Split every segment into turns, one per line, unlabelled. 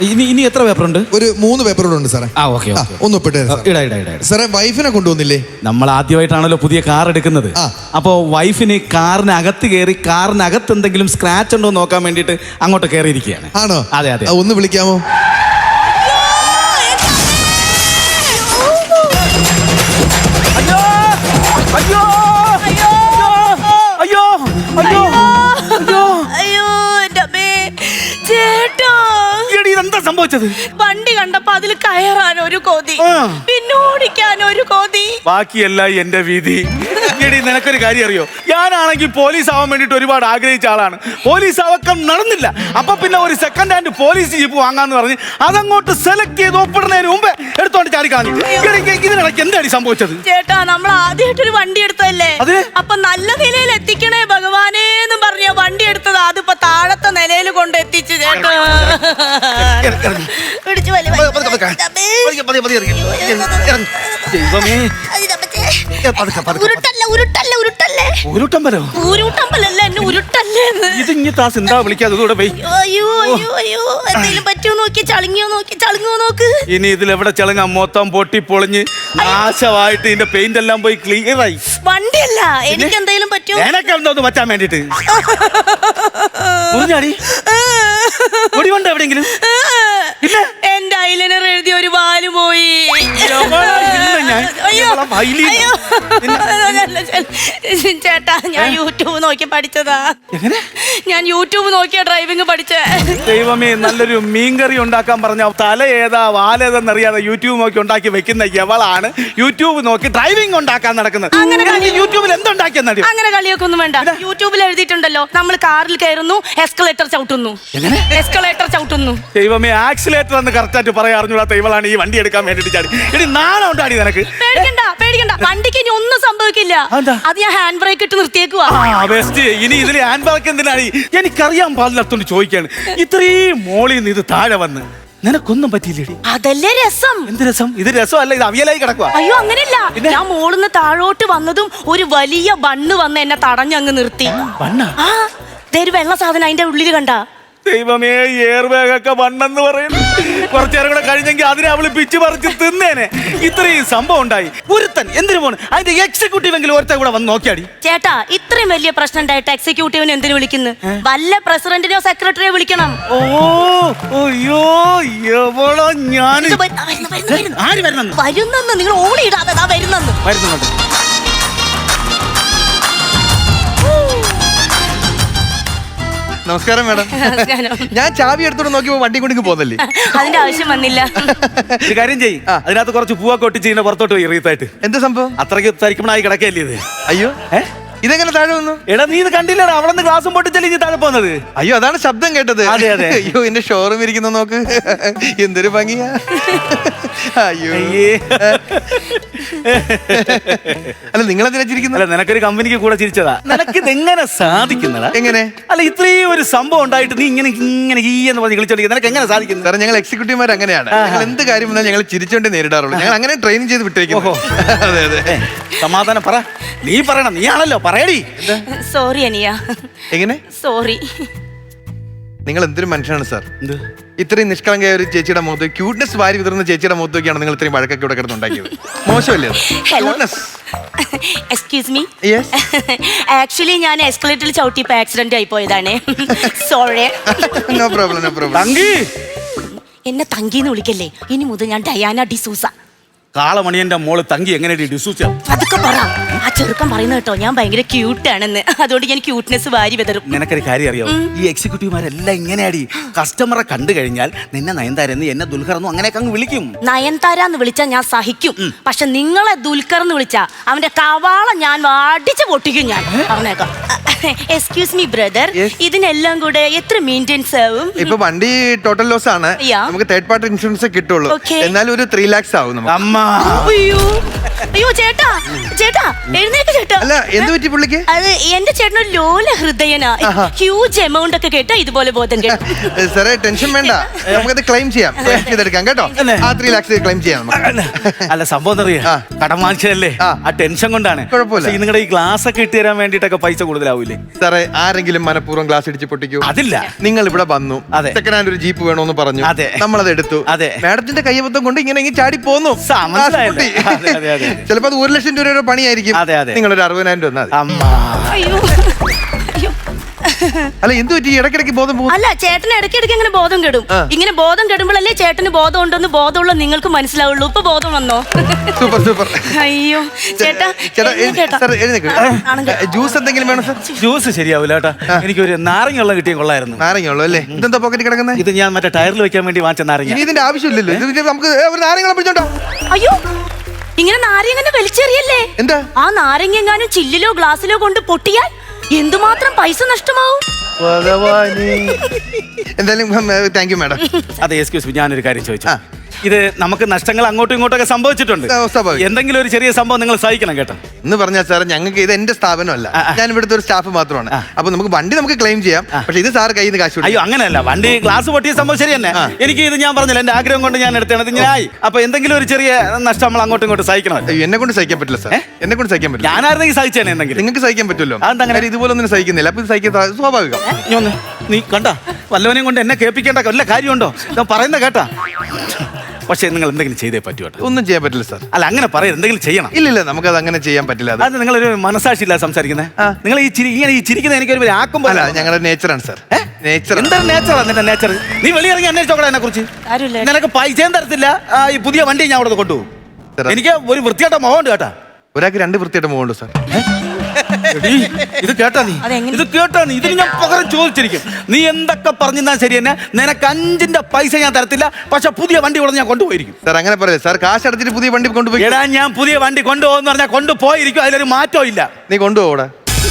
ഇനി എത്ര പേപ്പർ ഉണ്ട്?
ഒരു 3 പേപ്പറുകൾ ഉണ്ട് സാറേ.
ഓക്കെ
ഒന്ന് ഒപ്പിട്ടേ സാറേ. വൈഫിനെ കൊണ്ടുവന്നില്ലേ?
നമ്മൾ ആദ്യമായിട്ടാണല്ലോ പുതിയ കാർ എടുക്കുന്നത്. അപ്പോ വൈഫിന് കാറിനകത്ത് കയറി കാറിനകത്ത് എന്തെങ്കിലും സ്ക്രാച്ച് ഉണ്ടോ നോക്കാൻ വേണ്ടിട്ട് അങ്ങോട്ട് കയറിയിരിക്കുകയാണ്.
ആണോ?
അതെ അതെ.
ഒന്ന് വിളിക്കാമോ?
അയ്യോ അയ്യോ അയ്യോ അയ്യോ അയ്യോ
അയ്യോ എന്റെ അമ്മേ ചേട്ടാ,
എന്താ സംഭവിച്ചത്?
വണ്ടി കണ്ടപ്പോ അതിൽ കയറാൻ ഒരു കൊതി, പിന്നെ ഓടിക്കാൻ ഒരു കൊതി,
ബാക്കിയല്ല എന്റെ വീതി. എടി നിനക്കൊരു കാര്യം അറിയോ? ഞാനാണെങ്കിൽ പോലീസ് ആവാൻ വേണ്ടിട്ട് ഒരുപാട് ആഗ്രഹിച്ച ആളാണ്. പോലീസ് ആവാൻ നടന്നില്ല. അപ്പൊ പിന്നെ ഒരു സെക്കൻഡ് ഹാൻഡ് പോലീസ് ജീപ്പ് വാങ്ങാന്ന് പറഞ്ഞ് അതങ്ങോട്ട് സെലക്ട് ചെയ്ത് ഒപ്പിടുന്നതിന് മുമ്പേ എടുത്തോണ്ട് ചാടിക്കളഞ്ഞു. ഇതിനിടയ്ക്ക് എന്തായി സംഭവിച്ചത്?
ചേട്ടാ, നമ്മൾ ആദ്യമായിട്ടൊരു വണ്ടി എടുത്തല്ലേ, അപ്പൊ നല്ല നിലയിൽ എത്തിക്കണേ ഭഗവാനേ എന്ന് പറഞ്ഞ വണ്ടി എടുത്തത്. അതിപ്പോ താഴത്തെ നിലയിൽ കൊണ്ട് എത്തിച്ചു ചേട്ടാ.
ഇനി ഇതിലെവിടെ ചളങ്ങ മൊത്തം പൊട്ടി പൊളിഞ്ഞ് നാശമായിട്ട് ഇതിന്റെ പെയിന്റ് എല്ലാം പോയി ക്ലിയർ ആയി.
വണ്ടിയല്ല, എനിക്ക് എന്തെങ്കിലും പറ്റുമോ?
എനക്ക് എന്തോന്ന് പറ്റാൻ വേണ്ടിട്ട് എവിടെയെങ്കിലും
എന്റെ ഐലൈനർ എഴുതി ഒരു വാല് പോയി. ചേട്ടാ, ഞാൻ യൂട്യൂബ് നോക്കി പഠിച്ചതാ. ഞാൻ യൂട്യൂബ് നോക്കിയാ ഡ്രൈവിംഗ് പഠിച്ചേ.
ദൈവമേ, നല്ലൊരു മീൻകറി ഉണ്ടാക്കാൻ പറഞ്ഞ തല ഏതാ വാലേതെന്നറിയാതെ യൂട്യൂബ് നോക്കി ഉണ്ടാക്കി വെക്കുന്ന എവളാണ് യൂട്യൂബ് നോക്കി ഡ്രൈവിംഗ് ഉണ്ടാക്കാൻ നടക്കുന്നത്. യൂട്യൂബിൽ എന്തുണ്ടാക്കിയെന്നറിയോ?
അങ്ങനെ കളിയൊക്കെ ഒന്നും വേണ്ട. യൂട്യൂബിൽ എഴുതിയിട്ടുണ്ടല്ലോ, നമ്മൾ കാറിൽ കയറുന്നു, എസ്കലേറ്റർ ചവിട്ടുന്നു. എസ്കലേറ്റർ ചവിട്ടുന്നു.
ദൈവമേ, ആക്സിലേറ്റർ എന്ന് കറക്റ്റായിട്ട് പറയാ അറിഞ്ഞൂടാത്ത ഇവളാണ് ഈ വണ്ടി എടുക്കാൻ വേണ്ടിട്ട് ചാടി. ഇനി നാളെ ഉണ്ടാടി നിനക്ക്.
പേടിക്കണ്ട, വണ്ടിക്ക് ഇനി ഒന്നും സംഭവിക്കില്ല. അത് ഞാൻ ഹാൻഡ് ബ്രേക്ക് ഇട്ട് നിർത്തിയേക്കുവാ.
ഇനി ഇതിൽ ഹാൻഡ് ബ്രേക്ക് എന്തിനാണ്? എനിക്കറിയാൻ പാടില്ലാത്തോണ്ട് ചോദിക്കാണ്. ഇത്രയും മോളിൽ നിന്ന് ഇത് താഴെ വന്ന് നിനക്കൊന്നും പറ്റിയില്ലേടി?
അതല്ലേ രസം.
എന്ത് രസം? ഇത് രസമല്ല, ഇത് അവിയലായി കിടക്കുക.
അയ്യോ, അങ്ങനെയല്ല. ഞാൻ മോളിന്ന് താഴോട്ട് വന്നതും ഒരു വലിയ ബണ്ണ് വന്ന് എന്നെ തടഞ്ഞങ്ങ് നിർത്തി. ഒരു വെള്ള സാധനം അതിന്റെ ഉള്ളിൽ കണ്ട.
ദൈവമേ, എയർ ബാഗൊക്കെ വണ്ണെന്ന് പറയുന്നു. കുറച്ചേരം കൂടെ കഴിഞ്ഞെങ്കിൽ അതിനെ അവള് പിച്ച് പറിച്ച് തിന്നേനെ. ഇത്രയും സംഭവം ഉണ്ടായി. ഒരുത്തൻ എന്തിനു പോണ്? അതിന്റെ എക്സിക്യൂട്ടീവ് എങ്കിലും ഒരുത്തൻ കൂടെ വന്ന് നോക്കിയാടി.
ചേട്ടാ, ഇത്രയും വലിയ പ്രശ്നം ഉണ്ടായിട്ട് എക്സിക്യൂട്ടീവിനെ എന്തിനു വിളിക്കുന്നു? വല്ല പ്രസിഡന്റിനെയോ സെക്രട്ടറിയോ വിളിക്കണം.
അയ്യോ, എവളോ ഞാൻ
വരുന്നെന്ന് നിങ്ങൾ ഓളിയിടാതെ വരുന്നെന്ന്.
നമസ്കാരം മാഡം. ഞാൻ ചാവി എടുത്തോണ്ട് നോക്കിയപ്പോ വണ്ടി കൊണ്ടിങ്ങ് പോന്നല്ലേ?
അതിന്റെ ആവശ്യം വന്നില്ല.
ഒരു കാര്യം ചെയ്യ്, അതിനകത്ത് കുറച്ച് പൂവൊക്കെ ഒട്ടിച്ച് ഇതിന്റെ പുറത്തോട്ട് പോയി റീത്തായിട്ട്.
എന്ത് സംഭവം?
അത്രയ്ക്ക് തരിക്കണായി കിടക്കല്ലേ ഇത്?
അയ്യോ, ഇതെങ്ങനെ താഴെ വന്നു?
എടാ, നീ ഇത് കണ്ടില്ലടാ, അവിടെ നിന്ന് ഗ്ലാസും പൊട്ടിച്ചല്ലേ ഇനി താഴെ പോകുന്നത്.
അയ്യോ, അതാണ് ശബ്ദം കേട്ടത്.
അതെ അതെ.
അയ്യോ, എന്റെ ഷോറൂം ഇരിക്കുന്ന നോക്ക്, എന്തൊരു ഭംഗിയാ. അയ്യോ, അല്ല നിങ്ങളെന്തിനാ ചിരിക്കുന്നത്?
അല്ല, നിനക്കൊരു കമ്പനിക്ക് കൂടെ ചിരിച്ചതാ. നിനക്ക് ഇതെങ്ങനെ സാധിക്കുന്നതാ?
എങ്ങനെ?
അല്ല, ഇത്രയും ഒരു സംഭവം ഉണ്ടായിട്ട് നീ ഇങ്ങനെ ഈ എന്ന് പറഞ്ഞ് കളിച്ചോണ്ടിരിക്കുന്നത് നിനക്ക് എങ്ങനെ സാധിക്കുന്നു?
സാറേ, ഞങ്ങൾ എക്സിക്യൂട്ടീവ്മാർ അങ്ങനെയാണ്. ഞങ്ങൾ എന്ത് കാര്യം വന്നാൽ ഞങ്ങൾ ചിരിച്ചോണ്ടേ നേരിടാറുള്ളൂ. ഞങ്ങൾ അങ്ങനെ ട്രെയിൻ ചെയ്ത് വിട്ടേക്കും. അതെ അതെ.
സമാധാനം പറ. നീ പറയണം, നീയാണല്ലോ, പറയടി.
സോറി അനിയ.
എങ്ങനെ
സോറി?
നിങ്ങൾ എന്തൊരു മനുഷ്യനാണ് സാർ. ഇത്രയും നിഷ്കളങ്കയായ ഒരു ചേച്ചിയുടെ മുഖത്ത്, ക്യൂട്ട്നെസ് വാരി വിതറുന്ന ചേച്ചിയുടെ മുഖത്തൊക്കെയാണ് നിങ്ങൾ ഇത്രയും വഴക്കൊക്കെ ഇവിടെ കിടന്നുണ്ടാക്കിയത്. മോശമല്ലേ?
Excuse me. ആക്ച്വലി ഞാൻ എസ്കലേറ്ററിൽ ചവിട്ടിയപ്പോ ആക്സിഡന്റ് ആയി പോയതാണ്. Sorry.
No problem, no problem.
എന്നെ തങ്കിന്ന് വിളിക്കല്ലേ. ഇനി മുതൽ ഞാൻ ഡയാന ഡിസൂസ.
കാളമണിയന്റെ മോള് തങ്കി എങ്ങനെ ഡിസൂസ?
അതൊക്കെ പറ. ആ ചെറുക്കൻ പറയുന്നത് കേട്ടോ, ഞാൻ ഭയങ്കര ക്യൂട്ടാണെന്ന്. അതുകൊണ്ട് ഞാൻ ക്യൂട്ട്നെസ് വാരി വിതറും.
നിനക്കൊരു കാര്യം അറിയാമോ? ഈ എക്സിക്യൂട്ടീവ്മാരെല്ലാം ഇങ്ങനെയാടി. കസ്റ്റമറെ കണ്ടു കഴിഞ്ഞാൽ നിന്നെ നയൻതാരെന്ന്, എന്നെ ദുൽഖറെന്നും അങ്ങനെയൊക്കെ അങ്ങ് വിളിക്കും.
നയൻതാരാന്ന് വിളിച്ചാൽ ഞാൻ സഹിക്കും. പക്ഷെ നിങ്ങളെ ദുൽഖർന്ന് വിളിച്ചാ അവന്റെ കവാളം ഞാൻ അടിച്ചു പൊട്ടിക്കും. ഞാൻ പറഞ്ഞേക്കാം. എക്സ്ക്യൂസ് മീ ബ്രദർ, ഇതിനെല്ലാം കൂടെ എത്ര മെയിൻ്റെനൻസ് ആവും?
ഇപ്പൊ വണ്ടി ടോട്ടൽ ലോസ് ആണ്. നമുക്ക് തേർഡ് പാർട്ടി ഇൻഷുറൻസ് കിട്ടുള്ളൂ. എന്നാലും ഒരു 3 lakhs ആവും നമുക്ക്.
അയ്യോ ചേട്ടാ, ചേട്ടാ എഴുന്നേക്ക് ചേട്ടാ.
അല്ല എന്ത് പറ്റി പുള്ളിക്ക്?
അത് എന്റെ ചേട്ടൻ ഒരു ലോല ഹൃദയനാ. ഹ്യൂജ് എമൗണ്ട് ഒക്കെ കേട്ടാ ഇതുപോലെ ബോധം കേട്ടു.
സാറേ ടെൻഷൻ വേണ്ട, നമുക്കത് ക്ലെയിം ചെയ്യാം, ക്ലെയിം ചെയ്തെടുക്കാം കേട്ടോ. ആ 3 lakhs ക്ലെയിം ചെയ്യാം നമുക്ക്.
അല്ല സംഭവം അറിയാ, കടം വാങ്ങിച്ചതല്ലേ, ആ ടെൻഷൻ കൊണ്ടാണ്.
കുഴപ്പമില്ല.
നിങ്ങളുടെ ഈ ഗ്ലാസ് ഒക്കെ ഇട്ട് തരാൻ വേണ്ടിട്ടൊക്കെ പൈസ കൂടുതലാവൂലേ?
സാറേ ആരെങ്കിലും മനഃപൂർവ്വം ഗ്ലാസ് ഇടിച്ച് പൊട്ടിക്കൂ?
അതില്ല.
നിങ്ങൾ ഇവിടെ വന്നു,
അതെ.
സെക്കൻഡ് ഹാൻഡ് ഒരു ജീപ്പ് വേണമെന്ന് പറഞ്ഞു,
അതെ.
നമ്മളത് എടുത്തു.
അതെ.
മാഡത്തിന്റെ കയ്യബദ്ധം കൊണ്ട് ഇങ്ങനെ ചാടി പോന്നു.
മനസ്സിലായല്ലേ? അതെ, അതെ, അതെ.
ചിലപ്പോ അത് 1 ലക്ഷം രൂപയുടെ പണിയായിരിക്കും.
അതെ, അതെ.
നിങ്ങൾ ഒരു 60,000 രൂപ തന്നാൽ
അമ്മ.
അയ്യോ അയ്യോ.
അല്ല എന്ത് പറ്റി? ഇടയ്ക്കിടയ്ക്ക് ബോധം പോകും.
അല്ല ചേട്ടന് ഇടയ്ക്കിടയ്ക്ക് ഇങ്ങനെ ബോധം കെടും. ഇങ്ങനെ ബോധം കെടുമ്പോഴല്ലേ ചേട്ടന് ബോധം ഉണ്ടെന്ന് ബോധമുള്ള നിങ്ങൾക്ക് മനസ്സിലാവുള്ളൂ. ഇപ്പൊ ബോധം വന്നോ?
Super super.
അയ്യോ ചേട്ടാ.
ജ്യൂസ് എന്തെങ്കിലും വേണം സാർ?
ജ്യൂസ് ശരിയാവില്ല കേട്ടാ, എനിക്കൊരു നാരങ്ങ വെള്ളം കിട്ടിയ കൊള്ളായിരുന്നു.
നാരങ്ങ ഉള്ളു അല്ലേ? ഇതെന്താ പോക്കറ്റ് കിടക്കുന്നത്?
ഇത് ഞാൻ മറ്റേ ടയറിൽ വെക്കാൻ വേണ്ടി വാങ്ങിച്ച നാരങ്ങ.
ഇനി ഇതിന്റെ ആവശ്യമില്ലല്ലോ, ഇത് നമുക്ക് ഒരു നാരങ്ങളെ പിടിച്ചോണ്ടോ.
അയ്യോ ഇങ്ങനെ നാരങ്ങ വലിച്ചെറിയല്ലേ?
എന്താ
ആ നാരങ്ങ എങ്ങാനും ചില്ലിലോ ഗ്ലാസ്സിലോ കൊണ്ട് പൊട്ടിയാൽ എന്തുമാത്രം പൈസ നഷ്ടമാവും.
എന്തായാലും താങ്ക് യു മാഡം.
അതെ എക്സ്ക്യൂസ് മീ, ഞാനൊരു കാര്യം ചോദിച്ചു. ഇത് നമുക്ക് നഷ്ടങ്ങൾ അങ്ങോട്ടും ഇങ്ങോട്ടൊക്കെ സംഭവിച്ചിട്ടുണ്ട്. എന്തെങ്കിലും ഒരു ചെറിയ സംഭവം നിങ്ങൾ സഹിക്കണം കേട്ടോ.
എന്ന് പറഞ്ഞാൽ സാർ ഞങ്ങൾക്ക് ഇത് എന്റെ സ്ഥാപനമല്ല, ഞാൻ ഇവിടുത്തെ ഒരു സ്റ്റാഫ് മാത്രമാണ്. അപ്പൊ നമുക്ക് വണ്ടി നമുക്ക് ക്ലെയിം ചെയ്യാം, പക്ഷെ ഇത് സാർ കയ്യിൽ നിന്ന് കാശ്.
അയ്യോ അങ്ങനെയല്ല, വണ്ടി ഗ്ലാസ് പൊട്ടിയ സംഭവം ശരി തന്നെ. എനിക്ക് ഇത് ഞാൻ പറഞ്ഞില്ല, എന്റെ ആഗ്രഹം കൊണ്ട് ഞാൻ എടുത്തത് ഞാനായി. അപ്പൊ എന്തെങ്കിലും ഒരു ചെറിയ നഷ്ടം നമ്മൾ അങ്ങോട്ടും ഇങ്ങോട്ടും സഹിക്കണം.
എന്നെ കൊണ്ട് സഹിക്കാൻ പറ്റില്ല സാർ, എന്നെ കൊണ്ട് സഹിക്കാൻ പറ്റില്ല.
ഞാനായിരുന്നെങ്കിൽ സഹിച്ചേനെ എന്തെങ്കിലും.
നിങ്ങൾക്ക് സഹിക്കാൻ പറ്റുമല്ലോ,
അതെന്താ
ഇതുപോലെ ഒന്നും സഹിക്കുന്നില്ല. അപ്പൊ ഇത് സഹിക്കാൻ സ്വാഭാവികം.
നീ കണ്ട വല്ലവനെയും കൊണ്ട് എന്നെ കേൾപ്പിക്കേണ്ട വല്ല കാര്യമുണ്ടോ? ഞാൻ പറയുന്ന കേട്ടാ. പക്ഷെ നിങ്ങൾ എന്തെങ്കിലും ചെയ്തേ പറ്റൂ കേട്ടോ.
ഒന്നും ചെയ്യാൻ പറ്റില്ല സാർ.
അല്ല അങ്ങനെ പറയും, എന്തെങ്കിലും ചെയ്യണം.
ഇല്ലില്ല, നമുക്കത് അങ്ങനെ ചെയ്യാൻ പറ്റില്ല.
അത് നിങ്ങളൊരു മനസാക്ഷിയില്ല സംസാരിക്കുന്നത്. നിങ്ങൾ ഈ ഇങ്ങനെ ഈ ചിരിക്കുന്ന എനിക്കൊരു ആക്കുമ്പോ.
അല്ല ഞങ്ങളുടെ നേച്ചറാണ് സാർ. നേച്ചർ
എന്താണ് നേച്ചറാ നിന്റെ നേച്ചർ? നീ വെളിയിറങ്ങി അന്വേഷിച്ചോളാം എന്നെ കുറിച്ച്. നിനക്ക് പൈസയും തരത്തില്ല, ഈ പുതിയ വണ്ടി ഞാൻ അവിടെ കൊണ്ടുപോകും. എനിക്ക് ഒരു വൃത്തിയായിട്ട മുഖമുണ്ട് കേട്ടാ.
ഒരാൾക്ക് 2 വൃത്തിയായിട്ട മുഖമുണ്ട് സാർ.
ഇത് കേട്ടാ നീ, ഇത് കേട്ടാ നീ, ഇതിന് ഞാൻ പകരം ചോദിച്ചിരിക്കും. നീ എന്തൊക്കെ പറഞ്ഞാൽ ശരി തന്നെ, നിനക്ക് 5 പൈസ ഞാൻ തരത്തില്ല, പക്ഷെ പുതിയ വണ്ടി ഇവിടെ ഞാൻ കൊണ്ടുപോയിരിക്കും.
സാർ അങ്ങനെ പറയരുത് സാർ, കാശ് അടച്ചിട്ട് പുതിയ വണ്ടി കൊണ്ടുപോയി.
എടാ ഞാൻ പുതിയ വണ്ടി കൊണ്ടുപോകുന്ന പറഞ്ഞാൽ കൊണ്ടുപോയിരിക്കും, അതിലൊരു മാറ്റവും ഇല്ല.
നീ കൊണ്ടുപോകൂടെ?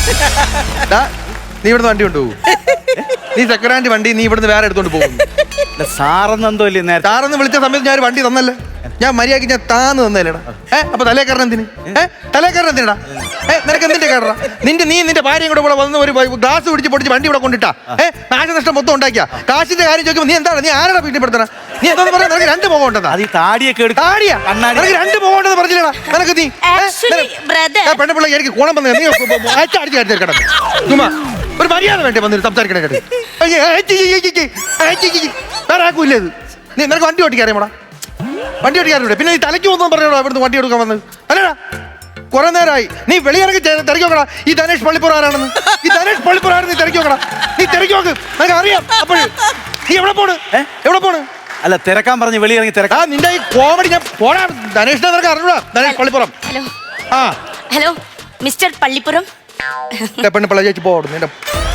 നീ ഇവിടുന്ന് വണ്ടി കൊണ്ടുപോകും? നീ സെക്കൻഡ് ഹാൻഡ് വണ്ടി നീ ഇവിടുന്ന് വേറെ എടുത്തോണ്ട് പോകും?
സാറെന്നെന്തോ ഇല്ലേ നേരത്തെ?
സാറെന്ന് വിളിച്ച സമയത്ത് ഞാൻ ഒരു വണ്ടി തന്നല്ലേ, ഞാൻ മര്യാദക്ക് ഞാൻ താന്ന് തന്നല്ലേടാ. അപ്പൊ തലേക്കാരൻ എന്തിന്? തലേക്കാരൻ എന്തിനാ? നിനക്ക് എന്തിന്റെ കേടാ? നിന്റെ ഭാര്യയും കൂടെ വന്ന് ഒരു ഗ്ലാസ് പിടിച്ച് പൊടിച്ച് വണ്ടി ഇവിടെ കൊണ്ടിട്ടാ നാശനഷ്ടം മൊത്തം ഉണ്ടാക്കിയ. കാശിന്റെ കാര്യം ചോദിക്കുമ്പോൾ നീ എന്താണ്, നീ ആരുടെ വീട്ടിൽപ്പെടുത്തണ? നീ എന്താന്ന് പറയാ? നിനക്ക് 2 മുഖം ഉണ്ടെന്നാ?
അത് ഈ താടിയൊക്കെ
താടിയാ? നിനക്ക് 2 മുഖം ഉണ്ടെന്ന് പറഞ്ഞില്ലടാ നിനക്ക്? നീ പെണ്ണുപിള്ള എനിക്ക് കോണം വന്നത് നീ അടിച്ചു കിടന്നു. ഒരു മര്യാദ വേണ്ടി വന്നിട്ട് സംസാരിക്കണേ കേട്ട്. വേറെ ആക്കൂല്ലേ ഇത്? നിനക്ക് വണ്ടി ഓട്ടിക്കറിയാമോടാ? വണ്ടി ഓടിക്കാറുണ്ട്. പിന്നെ നീ തലയ്ക്ക് പോകുന്നു പറഞ്ഞോടാ ഇവിടുന്ന് വണ്ടി എടുക്കാൻ വന്നത് അല്ലേടാ? കുറെ നേരമായി നീ വെളിയിറങ്ങി തിരക്കി നോക്കടാ ഈ ധനേഷ് പള്ളിപ്പുറം ആരാണെന്ന്. ഈ ധനേഷ് പള്ളിപ്പുറം ആരെന്ന് നീ തിരക്കി നോക്കടാ. നീ തിരക്കി നോക്ക്, നിനക്ക് അറിയാം. അപ്പോഴും നീ എവിടെ പോണ്? എവിടെ പോണ്?
അല്ല തിരക്കാൻ പറഞ്ഞ് വെളിയിറങ്ങി തിരക്കാം.
നിന്റെ ഈ കോമഡി ഞാൻ പോടാ. ധനേഷിനെ നിനക്ക് അറിഞ്ഞൂടാ? ധനേഷ് പള്ളിപ്പുറം.
ഹലോ
ആ
ഹലോ മിസ്റ്റർ പള്ളിപ്പുറം.
പെണ്ണ് പിള്ള ചേച്ചി പോടും. നിന്റെ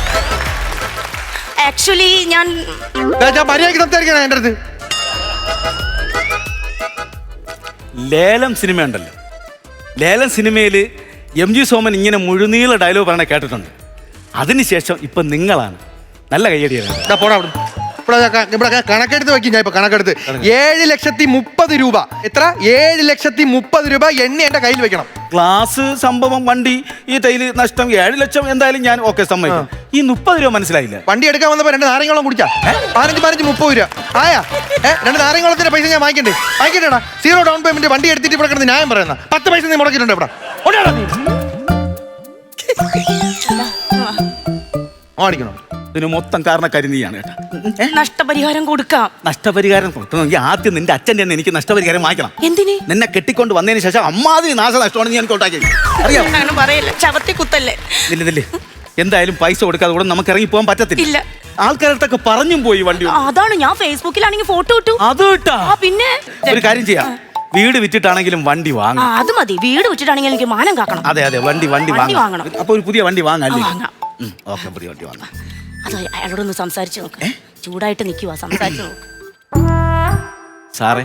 ആക്ച്വലി ഞാൻ
മര്യാദയ്ക്ക് സംസാരിക്കണേ എൻ്റെ അടുത്ത്.
ലേലം സിനിമ ഉണ്ടല്ലോ, ലേലം സിനിമയിൽ MG സോമൻ ഇങ്ങനെ മുഴുനീള ഡയലോഗ് പറയണ കേട്ടിട്ടുണ്ട്. അതിനുശേഷം ഇപ്പൊ നിങ്ങളാണ് നല്ല കയ്യടിയാണ്.
പോടാ ഇവിടെ കണക്കെടുത്ത് വെക്കും. ഞാൻ ഇപ്പൊ കണക്കെടുത്ത് 7,30,000 രൂപ. എത്ര? 7,30,000 രൂപ എണ്ണി എന്റെ കയ്യിൽ വെക്കണം.
ഗ്ലാസ് സംഭവം വണ്ടി ഈ ടൈല് നഷ്ടം 7 ലക്ഷം എന്തായാലും ഞാൻ ഓക്കെ സമ്മതിക്കും. ഈ 30 രൂപ മനസ്സിലായില്ല.
വണ്ടി എടുക്കാൻ വന്നപ്പോ 2 നാരങ്ങളും കുടിച്ചാ 15 30 രൂപ ആയാ? 2 നാരങ്ങളത്തിന്റെ പൈസ ഞാൻ വാങ്ങിക്കണ്ടേടാ. 0 ഡൗൺ പേയ്മെന്റ് വണ്ടി എടുത്തിട്ട് ഇവിടെ കിടന്ന് ന്യായം പറയുന്ന 10 പൈസ നീ മുടക്കിയിട്ടുണ്ട് ഇവിടെ. ഓടിക്കണോ?
ഇതിന് മൊത്തം കാരണക്കാരി നീയാണ് കേട്ടോ.
നഷ്ടപരിഹാരം കൊടുക്കാം.
നഷ്ടപരിഹാരം കൊടുക്കണമെങ്കിൽ ആദ്യം നിന്റെ അച്ഛൻ്റെ തന്നെ എനിക്ക് നഷ്ടപരിഹാരം വാങ്ങിക്കണം.
എന്തിന്?
നിന്നെ കെട്ടിക്കൊണ്ട് വന്നതിന് ശേഷം അമ്മാതിരി നാശനഷ്ടമാണ് നീ എനിക്ക് ഉണ്ടാക്കി. അറിയാം,
അങ്ങനെ പറയല്ലേ, ചവത്തി കുത്തല്ലേ.
ഇല്ലേ എന്തായാലും പൈസ കൊടുക്കാതെ കൂടെ നമുക്ക് ഇറങ്ങി പോകാൻ പറ്റത്തില്ല. ആൾക്കാരടുത്തൊക്കെ പറഞ്ഞും പോയി വണ്ടി.
അതാണ് ഞാൻ ഫേസ്ബുക്കിലാണെങ്കിൽ ഫോട്ടോ ഇട്ടു.
അത് ഇട്ടാ?
പിന്നെ
ഒരു കാര്യം ചെയ്യാം, വീട് വിറ്റിട്ടാണെങ്കിലും വണ്ടി വാങ്ങാം.
അത് മതി, വീട് വിറ്റിട്ടാണെങ്കിൽ എനിക്ക് മാനം കാക്കണം.
അതെ വണ്ടി വാങ്ങണം. അപ്പൊ ഒരു പുതിയ വണ്ടി വാങ്ങാം. ഓക്കെ, പുതിയ വണ്ടി വാങ്ങാം.
അത് അയാളോടൊന്ന് സംസാരിച്ചു നോക്ക്. ചൂടായിട്ട് നിൽക്കുക, സംസാരിച്ചു നോക്ക്.
സാറേ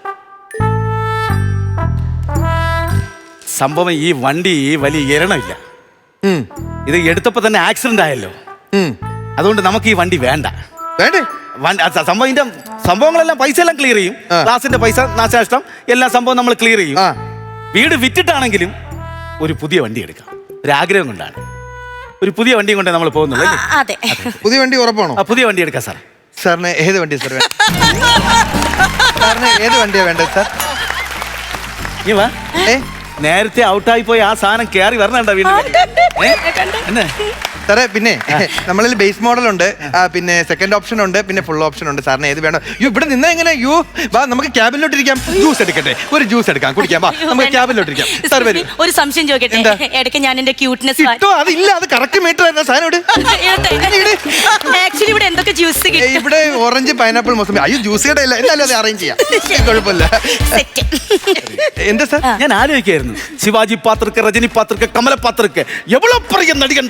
സംഭവം ഈ വണ്ടി വലിയ എരണമില്ല. ഇത് എടുത്തപ്പോ തന്നെ ആക്സിഡന്റ് ആയല്ലോ. അതുകൊണ്ട് നമുക്ക് ഈ വണ്ടി വേണ്ട. സംഭവങ്ങളെല്ലാം പൈസ എല്ലാം ക്ലിയർ ചെയ്യും. ക്ലാസിന്റെ പൈസ, നാശനഷ്ടം എല്ലാ സംഭവം നമ്മൾ ക്ലിയർ ചെയ്യും. വീട് വിറ്റിട്ടാണെങ്കിലും ഒരു പുതിയ വണ്ടി എടുക്കാം. ഒരാഗ്രഹം കൊണ്ടാണ്. ഒരു പുതിയ വണ്ടിയും കൊണ്ടേ നമ്മൾ പോകുന്നത് അല്ലേ?
അതെ.
പുതിയ വണ്ടി ഉറപ്പാണോ?
പുതിയ വണ്ടി എടുക്കാം സാർ.
സാറിന് ഏത് വണ്ടിയാണ് സാർ വേണ്ടത്? സാറിന് ഏത് വണ്ടിയാണ് വേണ്ടത് സാർ?
നീ വാ.
ഏ
നേരത്തെ ഔട്ടായി പോയി ആ സാധനം കയറി വരണണ്ട വീട്ടിൽ. എന്നെ
സാറേ പിന്നെ നമ്മളിൽ ബേസ് മോഡൽ ഉണ്ട്, പിന്നെ സെക്കൻഡ് ഓപ്ഷൻ ഉണ്ട്, പിന്നെ ഫുൾ ഓപ്ഷൻ ഉണ്ട്. സാറിന് ഏത് വേണം? ഇവിടെ നിന്നാ എങ്ങനെ? വാ നമുക്ക് ക്യാബിനിലോട്ട് ഇരിക്കാം. ജ്യൂസ് എടുക്കട്ടെ? ഒരു ജ്യൂസ് എടുക്കാം, കുടിക്കാം. വാ നമുക്ക് ക്യാബിനിലോട്ട് ഇരിക്കാം. സാർ വരും.
ഒരു സംശയം ചോദിക്കട്ടെ? ഇടയ്ക്ക് ഞാൻ എന്റെ ക്യൂട്ട്നെസ്
കിട്ടോ? അതില്ല, അത് കറക്റ്റ് മീറ്റർ ആയിരുന്നു. സാധനം
ആക്ച്വലി ഇവിടെ എന്തൊക്കെ ജ്യൂസ്
ഇവിടെ ഓറഞ്ച്, പൈനാപ്പിൾ, മൊസംബി. അയ്യോ ജ്യൂസ് കട ഇല്ല, എന്നാലും അത് അറേഞ്ച് ചെയ്യാം, കുഴപ്പമില്ല. എന്താ സാർ?
ഞാൻ ആലോചിക്കായിരുന്നു, ശിവാജി പാത്രക്ക്, രജനി പാത്രക്ക്, കമല പാത്രക്ക് എവളോ പറയും നടികണ്ട.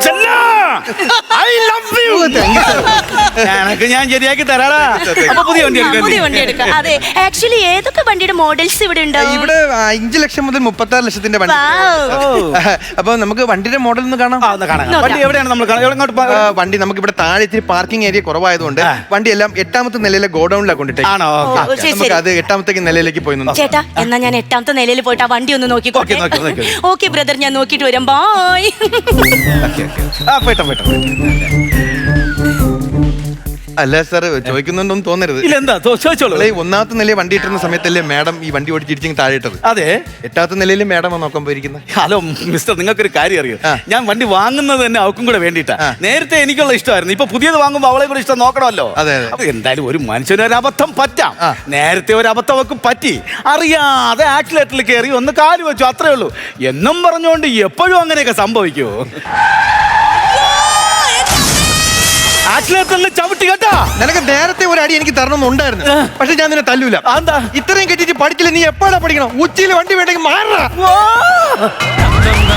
ഞാൻ ശരിയാക്കി തരാടാ. അപ്പൊ പുതിയ വണ്ടി
എടുക്കാം. അതെ, ആക്ച്വലി ഏതൊക്കെ വണ്ടിയുടെ മോഡൽസ് ഇവിടെ ഉണ്ടാവും?
ഇവിടെ 5 ലക്ഷം മുതൽ 36 ലക്ഷത്തിന്റെ വണ്ടി. അപ്പൊ നമുക്ക് വണ്ടിയുടെ മോഡൽ ഒന്ന് കാണാം.
വണ്ടി എവിടെയാണ് നമ്മൾ
വണ്ടി നമുക്ക് ഇവിടെ താഴെ ഇത്തിരി പാർക്കിംഗ് ഏരിയ കുറവായതുകൊണ്ട് വണ്ടി എല്ലാം 8ാമത്തെ നിലയിലെ ഗോഡൌണിലാണ് കൊണ്ടിട്ട്.
ആണോ?
നമുക്ക് അത് 8ാമത്തേക്ക് നിലയിലേക്ക് പോയി നിന്ന്.
ചേട്ടാ, എന്നാ ഞാൻ 8ാമത്തെ നിലയിൽ പോയിട്ട് ആ വണ്ടി ഒന്ന് നോക്കിക്കോട്ടെ. ഓക്കെ ബ്രദർ, ഞാൻ നോക്കിട്ട് വരാം. ബൈ.
അല്ല സാർ, ചോദിക്കുന്നുണ്ടോന്ന് തോന്നരുത്.
ഇല്ല, എന്താ ചോദിച്ചോളൂ.
1ാമത്തെ നിലയിൽ വണ്ടി ഇട്ടുന്ന സമയത്തല്ലേ മാഡം ഈ വണ്ടി ഓടിച്ചിരിക്കും താഴെ ഇട്ടത്?
അതെ.
8ാമത്തെ നിലയിൽ മാഡം നോക്കാൻ പോയിരിക്കുന്നത്.
ഹലോ മിസ്റ്റർ, നിങ്ങൾക്കൊരു കാര്യം അറിയോ? ഞാൻ വണ്ടി വാങ്ങുന്നത് തന്നെ അവക്കും കൂടെ വേണ്ടിയിട്ടാ. നേരത്തെ എനിക്കുള്ള ഇഷ്ടമായിരുന്നു, ഇപ്പൊ പുതിയത് വാങ്ങുമ്പോൾ അവളെ കൂടെ ഇഷ്ടം നോക്കണമല്ലോ. അപ്പൊ എന്തായാലും ഒരു മനുഷ്യന് ഒരു അബദ്ധം പറ്റാം. നേരത്തെ ഒരു അബദ്ധം അവക്കും പറ്റി, അറിയാതെ ആക്സിലേറ്ററിൽ കയറി ഒന്ന് കാല് വെച്ചു, അത്രേ ഉള്ളൂ. എന്നും പറഞ്ഞുകൊണ്ട് എപ്പോഴും അങ്ങനെയൊക്കെ സംഭവിക്കുമോ? ആക്സിലേറ്ററിൽ ചവിട്ടി കേട്ടാ.
നിനക്ക് നേരത്തെ ഒരു അടി എനിക്ക് തരണമെന്നുണ്ടായിരുന്നു, പക്ഷെ ഞാൻ നിന്നെ തല്ലൂല.
എന്താ
ഇത്രയും കെട്ടിട്ട് പഠിക്കില്ല? നീ എപ്പോഴാ പഠിക്കണം? ഉച്ചയിൽ വണ്ടി വേണ്ടെങ്കിൽ മാറാ.